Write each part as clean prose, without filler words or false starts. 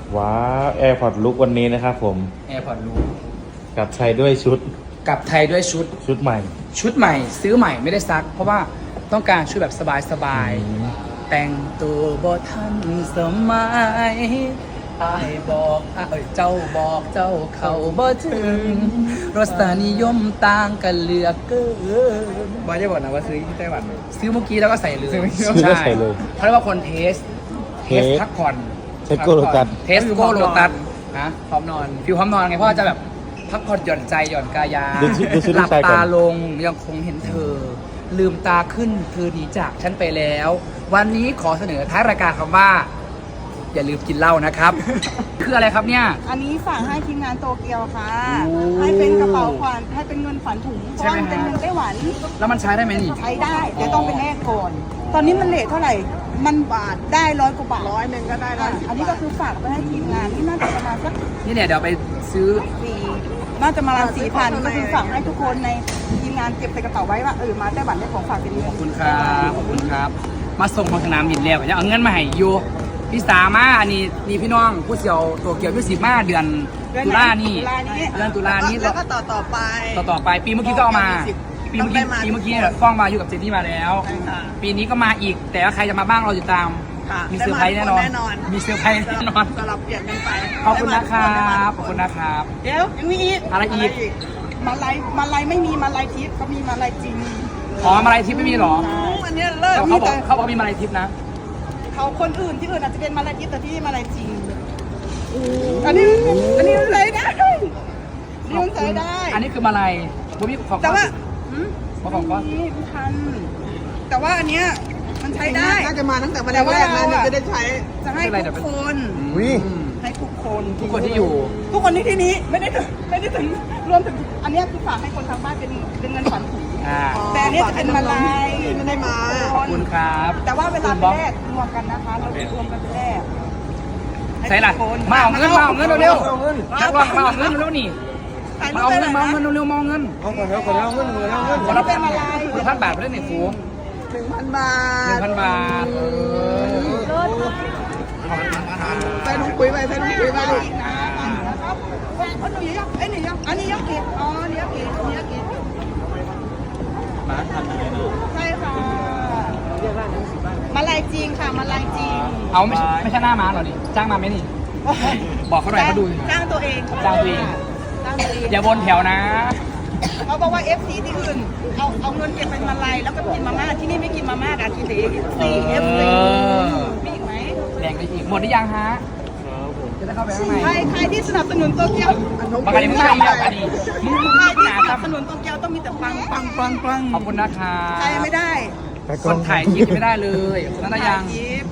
ว้าวแอร์พอร์ตลุกวันนี้นะครับผมแอร์พอร์ตลูกกลับไทยด้วยชุดกลับไทยด้วยชุดใหม่ชุดใหม่ซื้อใหม่ไม่ได้ซัก เพราะว่าต้องการชุดแบบสบายๆแต่งตัวบ่ทันสมัยอายบอกเจ้าบอกเจ้าเขาบ่ถึงรสนิยมต่างกันเหลือกเกินบอยจะบอกนะว่าซื้อที่ไต้หวันซื้อเมื่อกี้แล้วก็ใส่เลยซื้อแล้วใส่เลยเขาเรียกว่าคนเทสพักผ่อนเทสโกโลตัสเทสโกโลตัสนะพร้อมนอนฟิวพร้อมนอนไงเพราะว่าจะแบบพักผ่อนหย่อนใจหย่อนกายาดูชุดหลัลูกชายก่อนตาลงยังคงเห็นเธอ ลืมตาขึ้นเธอหนีจากฉันไปแล้ว วันนี้ขอเสนอท้ายรายการคำว่า อย่าลืมกินเหล้านะครับ คืออะไรครับเนี่ยอันนี้ฝากให้ทีมงานโตเกียวค่ะโอ้ให้เป็นกระเป๋าขวัญให้เป็นเงินขวัญถุงเพใช่ราะไหมว่ามันเป็นฮะเงินไต้หวันแล้วมันใช้ได้ไหมนี่ใช้ได้แต่ต้องเป็นแลกก่อน ตอนนี้มันเลทเท่าไหร่ มันบาทได้100 กว่าบาท 100ก็ได้ละอันนี้ก็คือฝากไปให้ทีมงานที่น่าจะประมาณสักนี่เนี่ยเดี๋ยวไปซื้อ 4น่าจะประมาณ4,000ก็คือฝากให้ทุกคนในทีมงานเก็บใส่กระเป๋าไว้ว่ามาไต้หวันได้ของฝากเป็นขอบคุณครับขอบคุณครับ มาส่งของสนามบินแล้วยังเอาเงินมาให้อยู่พี่สามาอันนี้นี่พี่น้องผู้เสี่ยวตัวเกี่ยวพี่สิบมาเดือนตุลานี่เดือนตุลานี่แล้วก็ต่อไปต่อไปปีเมื่อกี้ก็เอามาปีเมื่อกี้เนี่ยฟ้องมาอยู่กับเจนนี่มาแล้วใช่ค่ะปีนี้ก็มาอีกแต่ว่าใครจะมาบ้างเราติดตามค่ะมีเซอร์ไพรส์แน่นอน มีเซอร์ไพรส์แน่นอนสลับเปลี่ยนกันไปขอบคุณนะครับขอบคุณนะครับเดี๋ยวยังมีอีกอะไรอีกมาลายไม่มีมาลายทิพย์เขามีมาลายจริงอ๋อมาลัยทิพย์ไม่มีหรออันนี้เลิกแต่เขาบอกมีมาลัยทิพย์นะเขาคนอื่นที่อื่นอาจจะเป็นมาลายทิพย์แต่ที่นี่มาลายจริงอันนี้มันใช้ได้นี่มันใช้ได้อันนี้คือมาลัยบ่มีของแต่ว่าของก็นี่พันแต่ว่าอันเนี้ยมันใช้ได้น่าจะมาตั้งแต่วันแรกเลยจะได้ใช้จะให้ทุกคนวิให้ทุกคนทุกคนที่อยู่ทุกคนที่นี้ไม่ได้ถึงรวมถึงอันเนี้ยคือฝากให้คนทางบ้านเป็นเงินขวัญถุง แต่อันนี้จะเป็นมาลายไม่ได้มาขอบคุณครับแต่ว่าเวลาไปแลกรวมกันนะคะเรารวมกันไปแลกใช่ล่ะมาเอาเงินเร็วๆนักร้องมาเอาเงินเร็วๆนี่มาเอาเงินเร็วๆมาเอาเงินเอาคนแล้วคนแล้วเงินคนละ1,000 บาทไปได้หนึ่งฟูง 1,000 บาท 1,000 บาทใส่ถุงปุ๋ยไปใส่ถุงปุ๋ยไปอันนี้ยังอันนี้ยังเก็บอ๋ออันนี้ยังเก็บอันนี้ยังเก็บมาทำยังไงนะใช่ค่ะมาลายจริงค่ะมาลายจริงเอาไม่ใช่หน้าม้าหรอนี่จ้างมาไหมนี่ บอกเขาหน่อยเขาดูจ้างตัวเองจ้างตัวเองจ้างตัวเองอย่าวนแถวนะเขาบอกว่า FC ที่อื่นเอาเงินเก็บเป็นมาลายแล้วก็กินมาม่าที่นี่ไม่กินมาม่าอ่ะกินแต่ FC มีอีกไหมแรงไปอีกหมดหรือยังฮะจะได้เข้าไปข้างในใครที่สนับสนุนโตเกียวปกติมึงไม่มีแบบนี้มึงใครที่หาสคนัรับบ สนุนโตเกียวต้องมีแต่ปังขอบคุณนะครับใครไม่ได้คนถ่ายคลิปไม่ได้เลยนั่นได้ยังยิบ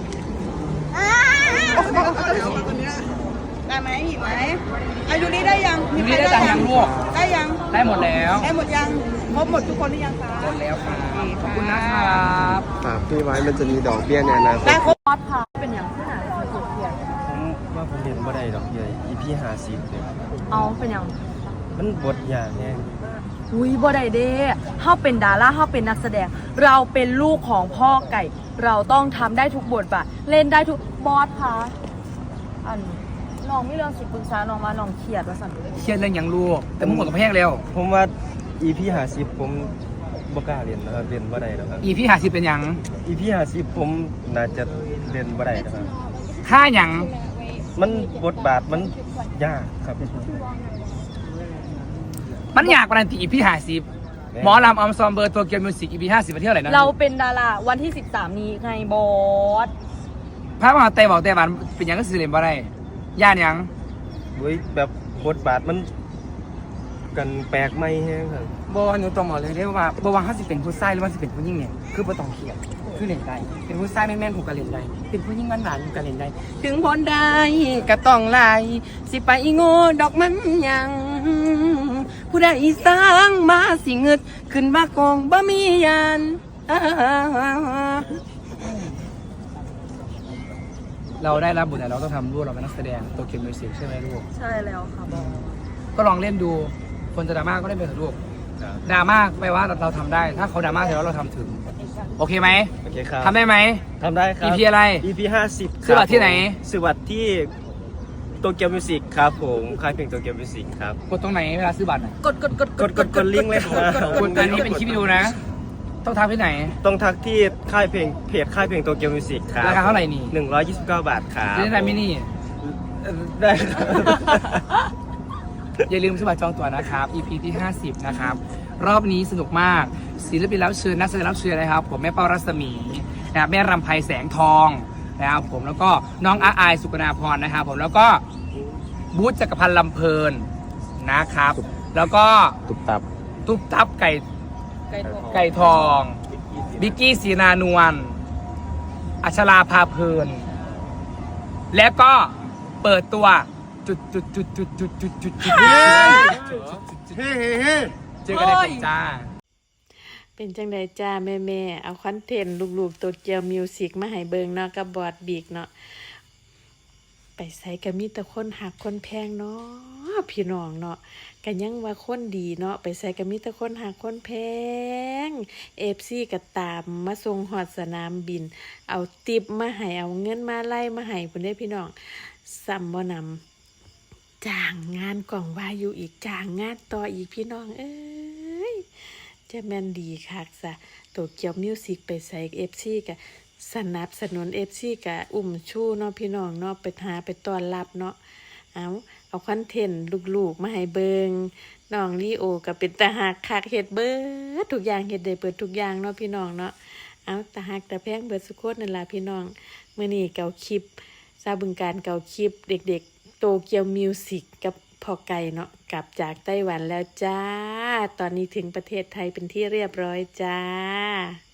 ได้ไหมอีกไหมอายุนี้ได้ยังอยู่นี่ได้จังยังลูกได้ยังได้หมดแล้วได้หมดยังครบหมดทุกคนหรือยังคะหมดแล้วครับขอบคุณนะครับฝากพี่ไว้มันจะมีดอกเบี้ยในอนาคตได้ครบเป็นอย่างที่ไหนมันสุดเพียงว่าผมเรียนบ่ได้ดอกเบี้ย EP 50เนี่ยเอาเป็นอย่างมันบทอย่างไงอุ้ยบ่ได้เด้เฮาเป็นดาราเฮาเป็นนักแสดง เราเป็นลูกของพ่อไก่ เราต้องทำได้ทุกบทบาท เล่นได้ทุกบอสคะอันน้องไม่เรื่องสิปรึกษาน้องมาน้องเครียดว่าสั่นเครียดเรื่องยังลูกแต่มึงหมดกับแพงแล้วผมว่า EP 50ผมบ่กล้าเรียนนะครับเรียนบ่ได้นะครับอีพี่50เป็นยัง EP 50ผมน่าจะเรียนบ่ได้นะครับค่าหยังมันบทบาทมันยากครับมันอยากกว่านั้นอีพี่50หมอลำอัมซอมเบอร์ตัวเกียวมิวสิกอีพี่50ไปเที่ยวไหนนะเราเป็นดาราวันที่ 13 นี้ไงบอสพระมหาไต้บอกไต้หวันเป็นหยังก็สื่อเล่นบ่ได้ย่านหยังเว้ยแบบบทบาทมันกันแปลกใหม่แฮงครับบ่หนูต้องบอกเลยได้ว่าบ่ว่าเขาสิเป็นผู้ชายหรือว่าสิเป็นผู้หญิงเนี่ยคือบ่ต้องเครียดคือเล่นได้เป็นผู้ชายแม่นๆผูกก็เล่นได้เป็นผู้หญิงหวานๆผูกก็เล่นได้ ถึงพ้นได้ก็ต้องไล่สิไปโง่ดอกมันหยังผู้ใดสร้างมาสิเงึดขึ้นมากองบ่มียานเราได้รับบทแต่เราต้องทำด้วยเราเป็นนักแสดงตัวเขียนมิวสิกใช่ไหมลูกใช่แล้วค่ะบอสก็ลองเล่นดูคนจะดราม่าก็เล่นไปเถอะลูกดราม่าไปว่าเราทำได้ ถ้าเขาดราม่าเสร็จแล้วเราทำถึงโอเคไหมโอเคครับทำได้ไหมทำได้ครับ EP อะไร EP 50 ซื้อบัตรที่ไหนซื้อบัตรที่โตเกียวมิวสิกครับผมค่ายเพลงโตเกียวมิวสิกครับกดตรงไหนเวลาซื้อบัตรน่ะกดลิงก์เลยครับกดอันนี้เป็นคลิปวิดีโอนะ ต้องทักที่ไหนต้องทักที่ค่ายเพลงเพจค่ายเพลงโตเกียวมิวสิกครับราคาเท่าไหร่นี่ 129 บาทครับจะได้มินี่ได้ครับอย่าลืมซื้อบัตรจองตั๋วนะครับ EP ที่ 50 นะครับ รอบนี้สนุกมาก ศิลปินรับเชิญนักแสดงรับเชิญนะครับ ผมแม่เป้ารัศมีนะครับแม่รำไพแสงทองนะครับผมแล้วก็น้องอาอายสุกนาพรนะครับผมแล้วก็บูธจักรพันธ์ลำเพลินนะครับ แล้วก็ตุบตับตุ๊บตับไก่ทองบิกกี้ศรีนานวลอัชราพาเพลิน แล้วก็เปิดตัวจุดเจอกันในกลุ่มจ้าเป็นจังใดจ้าแม่ เอาคอนเทนต์ลูกๆโตเกียวมิวสิกมาให้เบิงเนาะกับบอดบีกเนาะไปใส่ก็มีแต่คนหักคนแพงเนาะพี่น้องเนาะกันยังว่าคนดีเนาะไปใส่ก็มีแต่คนหักคนแพงFCก็ตามมาส่งฮอดสนามบิน เอาติปมาให้เอาเงินมาไล่มาให้พุ่นเด้พี่น้องซ้ำบ่นำจ้างงานกล่องวาอยู่อีกจ้างงานต่ออีกพี่น้องเอ้ย จะแม่นดีคักซะโตเกียวมิวสิกไปใส่FCกะสนับสนุนFCกะอุ้มชูเนาะพี่น้องเนาะไปหาไปต้อนรับเนาะเอาคอนเทนต์ลูกๆมาให้เบิงน้องลีโอก็เป็นตาหักคักเฮ็ดเบิดทุกอย่างเฮ็ดได้เบิดทุกอย่างเนาะพี่น้องเนาะตาหักตาแพงเบิดสุโคตนั่นล่ะพี่น้องมื้อนี้เก่าคลิปซาบึงการเก่าคลิปเด็กๆโตเกียวมิวสิกกับพอไก่เนาะกลับจากไต้หวันแล้วจ้าตอนนี้ถึงประเทศไทยเป็นที่เรียบร้อยจ้า